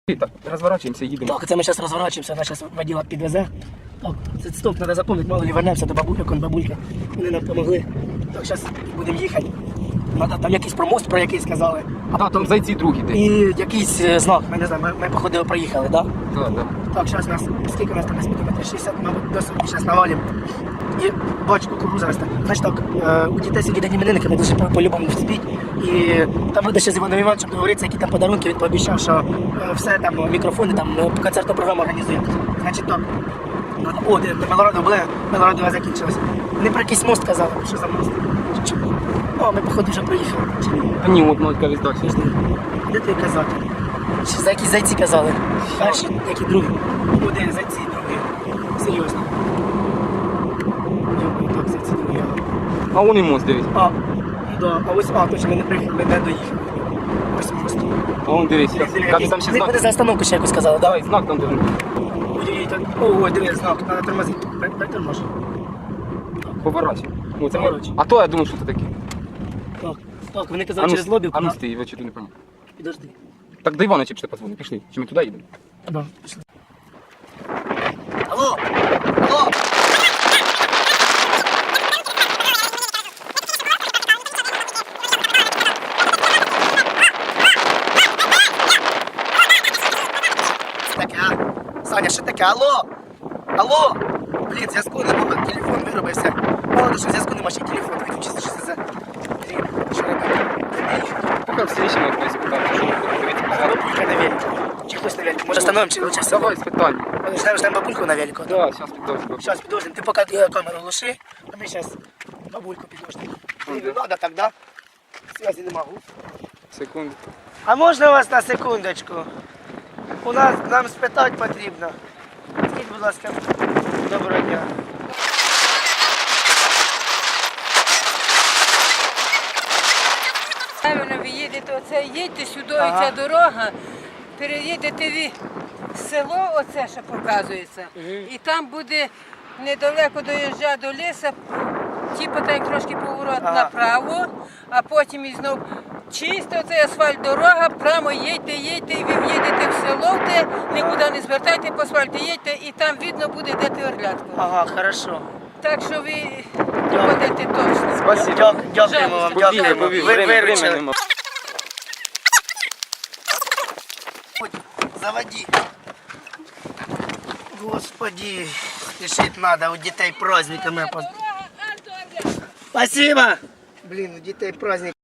Так, розворачуємося, їдемо. Так, це ми зараз розворачуємося, вона зараз воділа підвезе. Так, це стоп, треба запам'ятати, мало ли вернемося до бабульок, он бабульки. Вони нам допомогли. Так, зараз будемо їхати. Надо, там якийсь про мост, про який сказали. А потім зайці другі ти. І якийсь знак, ми не знаємо, ми походили, проїхали, так? Так, так. Так, зараз нас, скільки у нас там десь буде, метрів 60, мабуть, до 40, зараз навалимо. І бачу, кукуруза росте. Значить так, у дітей сьогодні день іменинника, ми дуже по-любому вспіть. І там буде ще з Іваном Івановичем договоритися, які там подарунки, він пообіцяв, що все там, мікрофони, там, концертну програму організує. Значить так, о, де Мелорадо були, Мелорадова закінчилась. Вони про якийсь мост казали, що за мост. О, ми, походу, вже проїхали. А ні, от мать кажуть далі. Де ти казати? Чи за якісь зайці казали? Перші, які другі. Один зайці, другі. Серйозно. Йо, так, зайці другі. А вон і мост, дивись. А, да, а ось, точно, ми не приїхали, ми не доїхали. Ось мост. А вон дивись. Кажуть, там ще знак. Вони за остановку ще якось сказали, Давай, давай. знак там дивись. Ой, так, ой, дивись, знак, треба тормозити. Притормож. Поворачуй. Ну, це Поворачуй. А то я думаю, що це таке. Так, так, вони казали через лобівку. А ну стій, я чого не пам'ятаю. Підожди. Так до Івана чи позвони, пішли. Чи ми туди їдемо? Да, пішли. Алло! Алло! Таке, а? Саня, що таке? Алло! Алло! Блін, зв'язку нема, телефон виробився. Мало що зв'язку нема, ще телефон виключився, що це за... Блін, що робити? Поки всі речі на хтось питати, що ми будемо дивитися позаду. Бабулька на велику. Чи хтось на велику? Може остановимо, чи лучше Давай, спитай. Ждем бабульку на велику. Да, зараз піддовжу. Сейчас підложим. Ти поки камеру глуши, а ми зараз бабульку підложимо. Не надо так, да? Связі нема. Секунду. А можна вас на секундочку? У нас нам спитати потрібно. Скажіть, будь ласка, доброго дня. Правильно, ви їдете, оце їдьте сюди, Ага. і ця дорога, переїдете ви село, оце що показується, і там буде недалеко доїжджа до лісу, типу так трошки поворот Ага. направо, а потім і знов чисто цей асфальт дорога, прямо їдьте, і ви в'їдете в село, де нікуди не звертайте по асфальту, їдьте, і там видно буде, де ти орлятку. Ага, хорошо. Так що ви ходите точно. Спасибо. Дякуємо вам, дякуємо. Ви виручили. нема. Заводи. Господи, спешить надо, у дітей праздниками. Спасибо. Блин, у дітей праздник.